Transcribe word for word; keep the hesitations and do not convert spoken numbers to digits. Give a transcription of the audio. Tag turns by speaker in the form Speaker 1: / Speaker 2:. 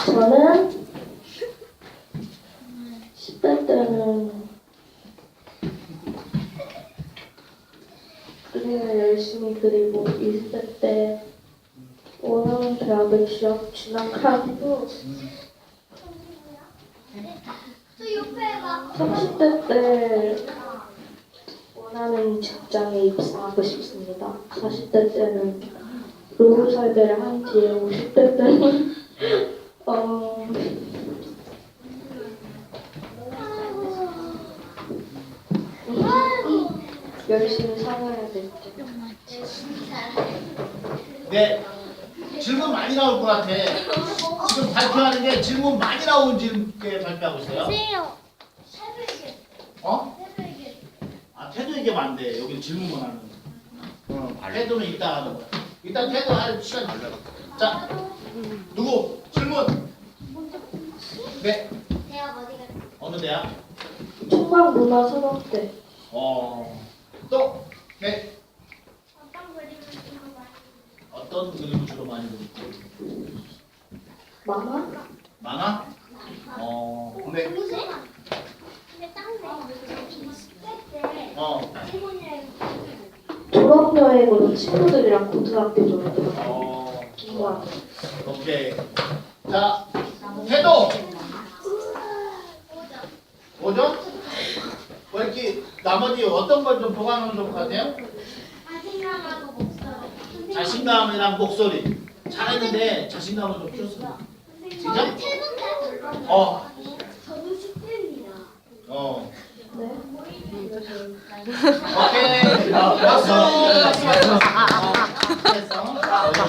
Speaker 1: 저는 십 대 때는 그림을 열심히 그리고 이십 대 때 원하는 대학을 취업 진학하고 삼십 대 때 원하는 직장에 입사하고 싶습니다. 사십 대 때는 노후 살배를 한 뒤에 오십 대 때는 어, 열심히 살아야 될 때.
Speaker 2: 네, 질문 많이 나올 것 같아. 지금 발표하는 게 질문 많이 나온 질문에 발표하고 있어요. 어? 아, 태도 얘기하면 안 돼. 여기 질문만 하는 거. 어, 태도는 이따 하는 거야. 일단 태도 할 시간 달라. 자, 누구? 질문. 네. 어느 대학?
Speaker 1: 총각문화산업대.
Speaker 2: 어. 또. 네. 어떤 그림을 주로 많이 그리고?
Speaker 1: 만화?
Speaker 2: 만화? 어. 네. 어.
Speaker 1: 졸업여행으로 친구들이랑 고등학교 졸업을
Speaker 2: 어.
Speaker 1: 좋아.
Speaker 2: 오케이. 자, 태도. 오죠? 왜 이렇게 나머지 어떤 걸 좀 보강하면 좋을 것 같아요? 자신감이랑 목소리. 잘했는데 자신감을 좀 키웠습니다. 진짜? 어.
Speaker 3: 저도 십 대입니다.
Speaker 2: 어.
Speaker 1: 네.
Speaker 2: 오케이. 박수. 박수. 어, 됐어.